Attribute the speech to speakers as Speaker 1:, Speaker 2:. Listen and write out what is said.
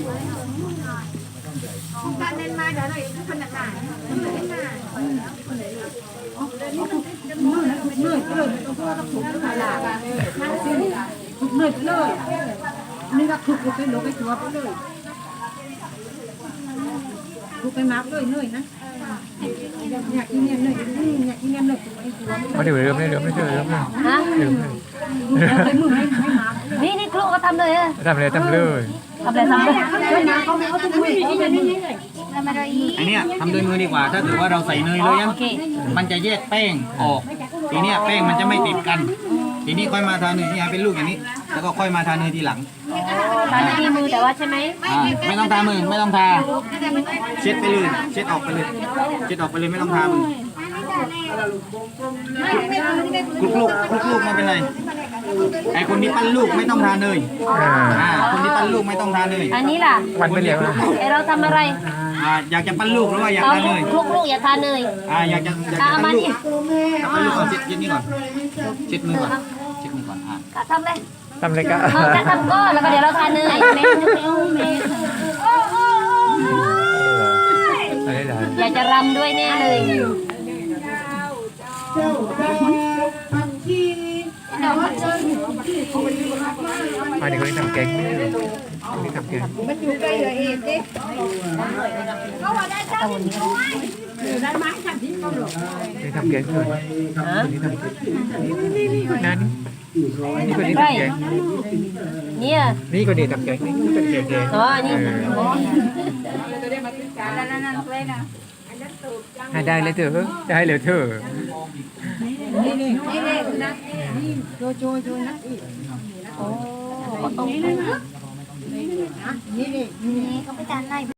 Speaker 1: การเดินมาเดี๋ยวหน่อยคนหนาเหนื่อยต้องพูดต้องถูกต้องหลาบถูกเหนื่อยไปเลยนี่ก็ถูกไปหลงไปตัวไปเลยถูกไปมาเลยเหนื่อยนะอยากกินเนี่ยเหนื่อยอยากกินเนี่ยเหนื่อย
Speaker 2: มาเดี๋ยวเริ่มเลยไม่เจอเริ่มเลย
Speaker 3: ฮะ
Speaker 2: เริ่มเลย
Speaker 3: นี่ครูก็ทำเลยอะ
Speaker 2: ทำเลยทำเลย
Speaker 3: ทำเลยทำเลย
Speaker 4: อันเนี้ยทำโดยมือดีกว่าถ้าเกิดว่าเราใส่เนยเลย
Speaker 3: โอเค
Speaker 4: มันจะแยกแป้งออกทีเนี้ยแป้งมันจะไม่ติดกันทีนี้ค่อยมาทาเนยนี่เป็นลูกอย่างนี้ แล้วก็ค่อยมาทาเนยทีหลัง
Speaker 3: ทำที่มือแต่ว่าใช่ไหม
Speaker 4: ไม่ต้องทามือไม่ต้องทาเช็ดไปเลยเช็ดออกไปเลยเช็ดออกไปเลยไม่ต้องทามือคลุกลูกไม่เป็นไรไอคนที่ปั้นลูกไม่ต้องทาเนยคนที่ปั้นลูกไม่ต้องทาเนย
Speaker 3: อันนี้ล่ะ
Speaker 2: วันไปเร็ว
Speaker 3: ไอเราทำอะไร
Speaker 4: อยากจะปั้นลูกหรือว่าอยาก
Speaker 3: เรา
Speaker 4: ทาเนย
Speaker 3: คลุกลูกอย่าทานเนย
Speaker 4: อยากจะ
Speaker 3: เอามา
Speaker 4: ปั้นลูก
Speaker 3: นี่
Speaker 4: ปั้นลูกก่อนเช็ดนี่ก่อนเช็ดมือก่อนเช็ดมือก่อน
Speaker 3: ก็ทำเลย
Speaker 2: ทำเลยก็
Speaker 3: จะทำก็แล้วก็เดี๋ยวเราทานเนย
Speaker 2: อะไรได้
Speaker 3: อยากจะรำด้วยแน่เลย
Speaker 2: มาเดี๋ยวคนนี้ทำแกงไม่ได้คนนี้ทำแกง
Speaker 1: มันอยู่ใกล้เลยเองดิเขาว่าได้เท่านี้ได้ไหมฉันที่เขาหลง
Speaker 2: คนนี้ทำแกงเลยคนนี้ทำแกงนี่คนนั้นนี่คนนี้ทำแกง
Speaker 3: เนี่ย
Speaker 2: นี่คนนี้ทำแกงนี่คนนี้ทำแกง
Speaker 3: อ๋อนี่
Speaker 2: ได้เลยเถอะได้เลยเถอะ
Speaker 1: นี่นะนี่โจนะ
Speaker 3: โอ้ต้อง
Speaker 1: นี่เขาไปจานไหน